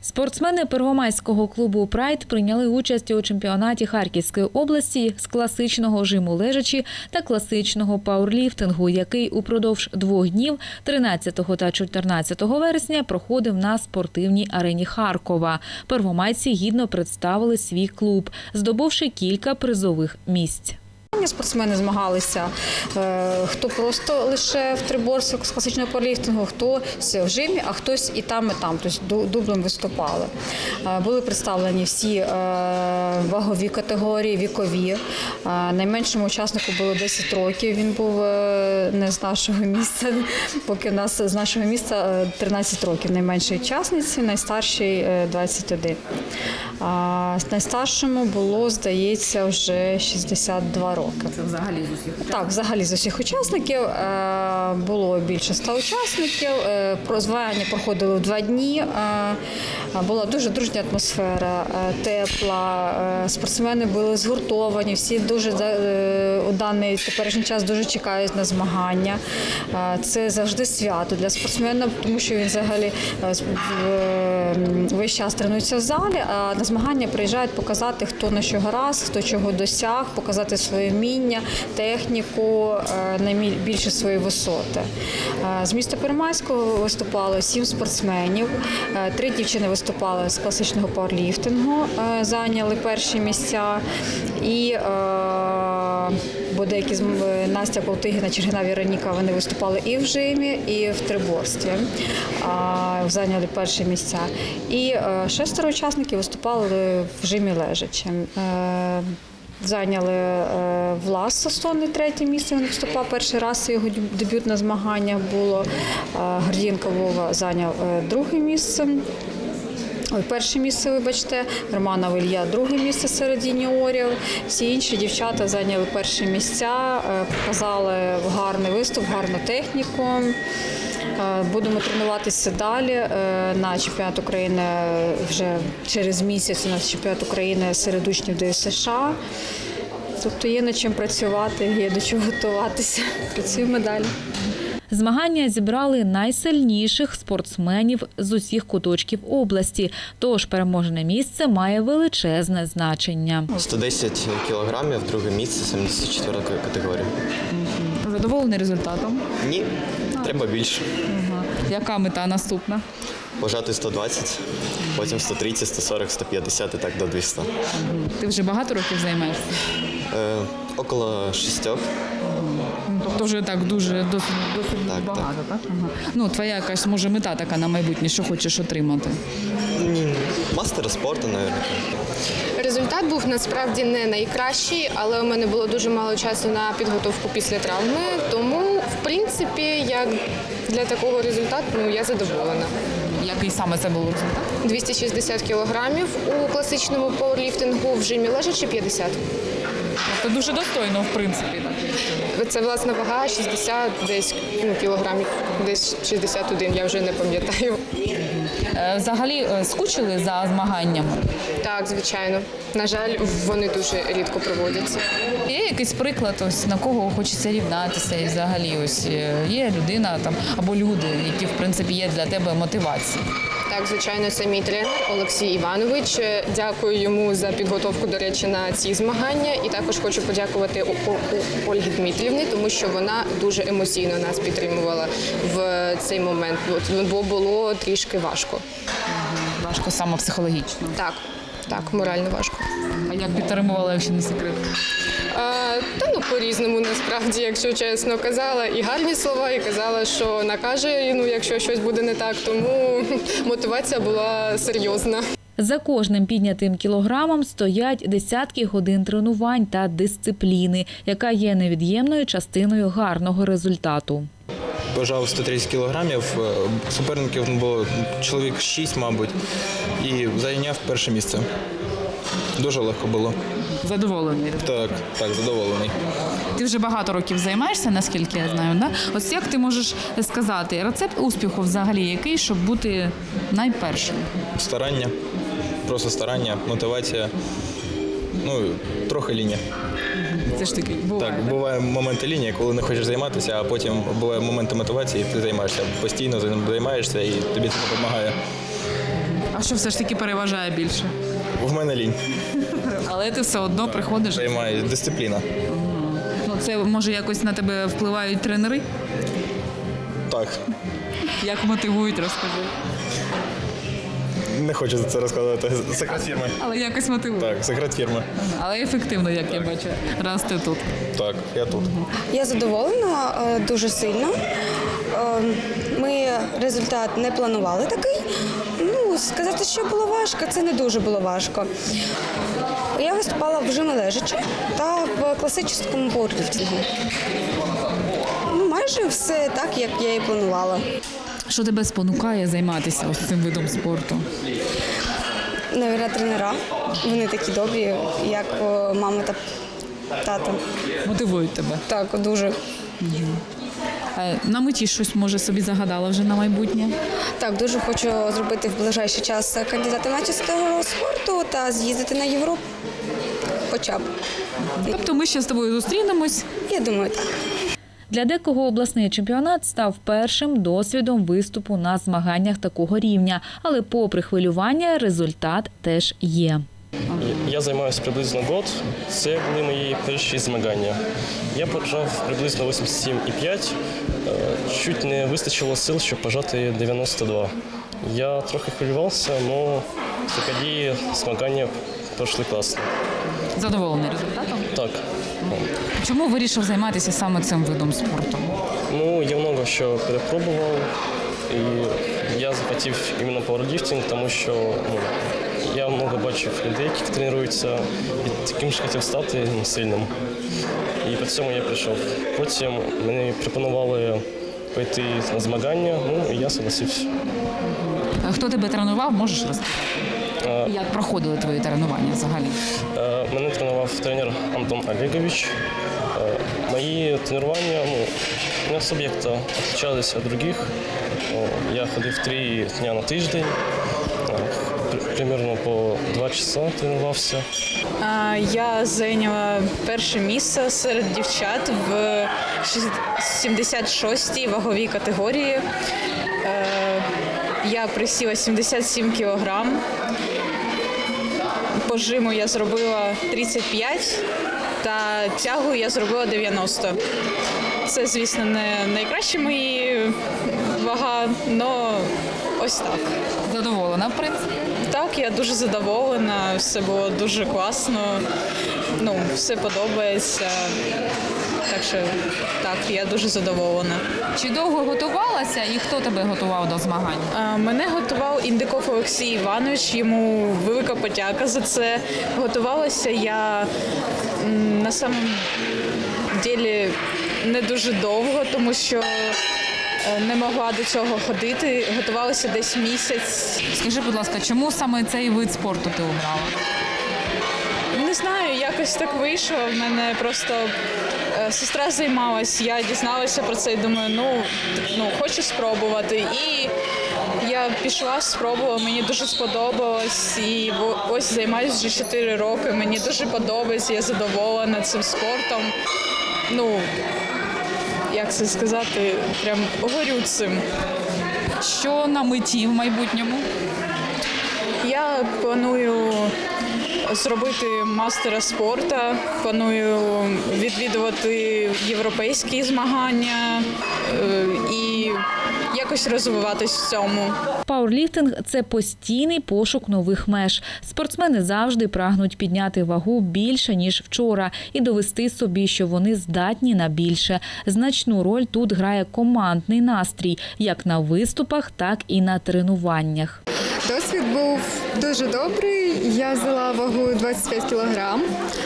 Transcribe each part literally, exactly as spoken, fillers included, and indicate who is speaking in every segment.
Speaker 1: Спортсмени Первомайського клубу «Прайд» прийняли участь у чемпіонаті Харківської області з класичного жиму лежачі та класичного пауерліфтингу, який упродовж двох днів тринадцятого та чотирнадцятого вересня проходив на спортивній арені Харкова. Первомайці гідно представили свій клуб, здобувши кілька призових місць.
Speaker 2: Спортсмени змагалися, хто просто лише в триборці з класичного пауерліфтингу, хто в жимі, а хтось і там, і там, тобто дублем виступали. Були представлені всі вагові категорії, вікові. Найменшому учаснику було десять років, він був не з нашого місця, поки в нас з нашого місця тринадцять років найменшій учасниці, найстаршій двадцять один. Найстаршому було, здається, вже шістдесят два роки.
Speaker 3: Це взагалі з усіх учасників?
Speaker 2: Так, взагалі з усіх учасників. Було більше ста учасників. Змагання проходили в два дні. Була дуже дружня атмосфера, тепла. Спортсмени були згуртовані, всі дуже у даний теперішній час дуже чекають на змагання. Це завжди свято для спортсмена, тому що він взагалі весь час тренується в залі, а на змагання приїжджають показати, хто на що гаразд, хто чого досяг, показати своє вміння, техніку, найбільше свої висоти. З міста Первомайського виступало сім спортсменів, три дівчини виступали з класичного пауерліфтингу, зайняли перші місця. І бо деякі з Настя Колтигіна, Чергина Віроніка, вони виступали і в жимі, і в триборстві, зайняли перші місця. І шестеро учасників виступали в жимі лежачі. Зайняли Влас Сосонний третє місце, він виступав перший раз, це його дебютне змагання було. Гордієнко Вова зайняв друге місце. Ой, перше місце, вибачте, Романов Ілля друге місце серед юніорів. Всі інші дівчата зайняли перші місця, показали гарний виступ, гарну техніку. Будемо тренуватися далі на чемпіонат України вже через місяць, у нас чемпіонат України серед учнів ДЮСШ. Тобто є над чим працювати, є до чого готуватися. Працюємо далі.
Speaker 1: Змагання зібрали найсильніших спортсменів з усіх куточків області, тож переможне місце має величезне значення.
Speaker 4: сто десять кілограмів, друге місце, сімдесят четверта категорія.
Speaker 3: Задоволений результатом?
Speaker 4: Ні, треба більше.
Speaker 3: Ага. Яка мета наступна?
Speaker 4: Пожати сто двадцять, потім сто тридцять, сто сорок, сто п'ятдесят і так до двохсот.
Speaker 3: Ти вже багато років займаєшся?
Speaker 4: Е, около шістьох.
Speaker 3: Тобто вже так дуже досить, досить
Speaker 4: Так,
Speaker 3: багато, так?
Speaker 4: так?
Speaker 3: Ага. Ну, твоя якась, може, мета така на майбутнє, що хочеш отримати?
Speaker 4: Мастер спорту, мабуть.
Speaker 5: Результат був насправді не найкращий, але у мене було дуже мало часу на підготовку після травми, тому, в принципі, як для такого результату, ну, я задоволена.
Speaker 3: Який саме це був результат?
Speaker 5: двісті шістдесят кілограмів у класичному пауерліфтингу, в жимі лежачі п'ятдесят.
Speaker 3: Це дуже достойно, в принципі. Так.
Speaker 5: Це власна вага шістдесят десь ну, кілограмів, десь шістдесят один, я вже не пам'ятаю.
Speaker 3: Взагалі скучили за змаганнями?
Speaker 5: Так, звичайно. На жаль, вони дуже рідко проводяться.
Speaker 3: Є якийсь приклад, ось на кого хочеться рівнатися, і взагалі ось є людина там або люди, які в принципі є для тебе мотивацією?
Speaker 5: Так, звичайно, це мій тренер Олексій Іванович. Дякую йому за підготовку, до речі, на ці змагання. І також хочу подякувати Ольгі Дмитрівні, тому що вона дуже емоційно нас підтримувала в цей момент, бо було трішки важко.
Speaker 3: Важко саме психологічно?
Speaker 5: Так, так, морально важко.
Speaker 3: А як підтримувала, якщо не секрет?
Speaker 5: А, та ну по-різному насправді, якщо чесно, казала і гарні слова, і казала, що накаже, ну, якщо щось буде не так, тому мотивація була серйозна.
Speaker 1: За кожним піднятим кілограмом стоять десятки годин тренувань та дисципліни, яка є невід'ємною частиною гарного результату.
Speaker 6: Важав сто тридцять кілограмів, суперників було чоловік шість, мабуть, і зайняв перше місце. Дуже легко було.
Speaker 3: Задоволений?
Speaker 6: Так, так, задоволений.
Speaker 3: Ти вже багато років займаєшся, наскільки я знаю, да? Ось як ти можеш сказати, рецепт успіху взагалі який, щоб бути найпершим?
Speaker 6: Старання, просто старання, мотивація, ну, трохи лінія.
Speaker 3: Це ж таки буває,
Speaker 6: Так,
Speaker 3: так?
Speaker 6: буває моменти лінії, коли не хочеш займатися, а потім буває моменти мотивації, і ти займаєшся, постійно займаєшся, і тобі це допомагає.
Speaker 3: А що все ж таки переважає більше?
Speaker 6: В мене лінь.
Speaker 3: Але ти все одно приходиш.
Speaker 6: Займає дисципліна.
Speaker 3: Ну, це може якось на тебе впливають тренери?
Speaker 6: Так.
Speaker 3: Як мотивують, розкажи.
Speaker 6: Не хочу за це розказувати. Секрет фірми.
Speaker 3: Але якось мотивують.
Speaker 6: Так, секрет фірми.
Speaker 3: Але ефективно, як я бачу, раз ти тут.
Speaker 6: Так, я тут.
Speaker 7: Я задоволена е, дуже сильно. Е, Ми результат не планували такий. Ну, сказати, що було важко, це не дуже було важко. Я виступала в жимі лежачи та в класичному пауерліфтингу. Ну, майже все так, як я і планувала.
Speaker 3: Що тебе спонукає займатися ось цим видом спорту?
Speaker 7: Навірно, тренера. Вони такі добрі, як о, мама та тато.
Speaker 3: Мотивують тебе.
Speaker 7: Так, дуже.
Speaker 3: Е, На меті щось, може, собі загадала вже на майбутнє?
Speaker 7: Так, дуже хочу зробити в ближайший час кандидата в майстра спорту та з'їздити на Європу. Хоча б.
Speaker 3: Тобто ми ще з тобою зустрінемось.
Speaker 7: Я думаю, так.
Speaker 1: Для декого обласний чемпіонат став першим досвідом виступу на змаганнях такого рівня. Але попри хвилювання, результат теж є.
Speaker 8: Я займаюся приблизно год. Це були мої перші змагання. Я пожав приблизно вісімдесят сім і п'ять. Е, Чуть не вистачило сил, щоб пожати дев'яносто два. Я трохи хвилювався, але тоді змагання пройшли класно.
Speaker 3: Задоволений результатом?
Speaker 8: Так.
Speaker 3: Чому вирішив займатися саме цим видом спорту?
Speaker 8: Ну, я много що перепробував, і я захотів іменно пауерліфтинг, тому що ну, я много бачив людей, які тренуються, і таким ж хотів стати ну, сильним. І по цьому я прийшов. Потім мені пропонували пойти на змагання, ну і я согласився.
Speaker 3: Хто тебе тренував, можеш розказати? Як проходили твої тренування взагалі?
Speaker 8: Е, Мене тренував тренер Антон Олегович. Е, Мої тренування ну, не особо як-то відрізнялися від інших. Я ходив три дні на тиждень, е, при- примерно по два часа тренувався.
Speaker 2: А, Я зайняла перше місце серед дівчат в сімдесят шостій ваговій категорії. Е, Я присіла сімдесят сім кілограм. По жиму я зробила тридцять п'ять та тягу я зробила дев'яносто. Це, звісно, не найкращі мої вага, але ось так.
Speaker 3: Задоволена, в принципі.
Speaker 2: Так, я дуже задоволена, все було дуже класно, ну, все подобається. Так що так, я дуже задоволена.
Speaker 3: Чи довго готувалася і хто тебе готував до змагань?
Speaker 2: А, Мене готував Індиков Олексій Іванович, йому велика подяка за це. Готувалася я м, на самом ділі не дуже довго, тому що е, не могла до цього ходити. Готувалася десь місяць.
Speaker 3: Скажи, будь ласка, чому саме цей вид спорту ти обрала?
Speaker 2: Не знаю, якось так вийшло. В мене просто е, сестра займалась, я дізналася про це і думаю, ну, ну хочу спробувати. І я пішла, спробувала, мені дуже сподобалось. І во- ось займаюся вже чотири роки. Мені дуже подобається, я задоволена цим спортом. Ну, як це сказати, прям горю цим.
Speaker 3: Що на меті в майбутньому?
Speaker 2: Я планую зробити мастера спорту, планую відвідувати європейські змагання е, і якось розвиватись в цьому.
Speaker 1: Пауерліфтинг – це постійний пошук нових меж. Спортсмени завжди прагнуть підняти вагу більше, ніж вчора, і довести собі, що вони здатні на більше. Значну роль тут грає командний настрій, як на виступах, так і на тренуваннях.
Speaker 9: Досвід був дуже добрий. Я взяла вагу двадцять п'ять кілограм.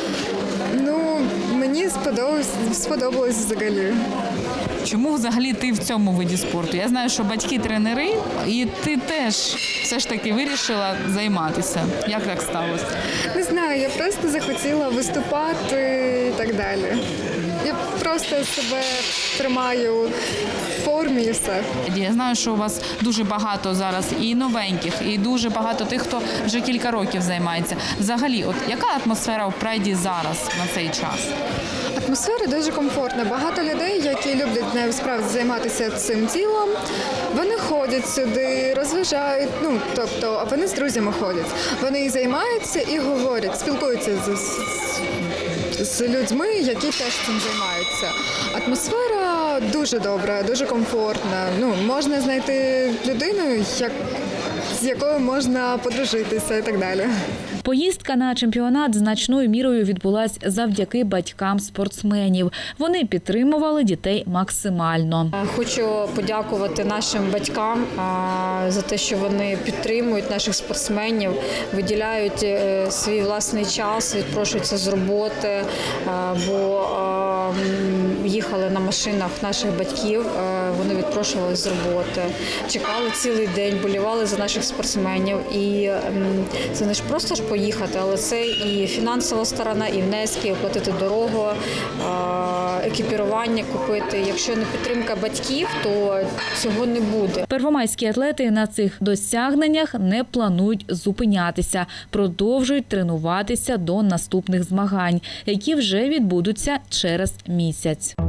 Speaker 9: Ну, мені сподобалось, сподобалось взагалі.
Speaker 3: Чому взагалі ти в цьому виді спорту? Я знаю, що батьки тренери, і ти теж все ж таки вирішила займатися. Як так сталося?
Speaker 9: Не знаю, я просто захотіла виступати і так далі. Я просто себе тримаю в формі і все.
Speaker 3: Я знаю, що у вас дуже багато зараз і новеньких, і дуже багато тих, хто вже кілька років займається. Взагалі, от яка атмосфера в прайді зараз на цей час?
Speaker 9: Атмосфера дуже комфортна. Багато людей, які люблять нею справді займатися цим ділом, вони ходять сюди, розважають, ну, тобто, вони з друзями ходять. Вони займаються і говорять, спілкуються з, з, з людьми, які теж цим займаються. Атмосфера дуже добра, дуже комфортна. Ну, можна знайти людину, як, з якою можна подружитися і так далі.
Speaker 1: Поїздка на чемпіонат значною мірою відбулась завдяки батькам спортсменів. Вони підтримували дітей максимально.
Speaker 2: Хочу подякувати нашим батькам а, за те, що вони підтримують наших спортсменів, виділяють е, свій власний час, відпрошуються з роботи, а, бо а, м, їхали на машинах наших батьків, а, вони відпрошувалися з роботи, чекали цілий день, болівали за наших спортсменів. І м, це не ж просто ж поїхати, але це і фінансова сторона, і внески, і оплатити дорогу, екіпірування купити. Якщо не підтримка батьків, то цього не буде.
Speaker 1: Первомайські атлети на цих досягненнях не планують зупинятися. Продовжують тренуватися до наступних змагань, які вже відбудуться через місяць.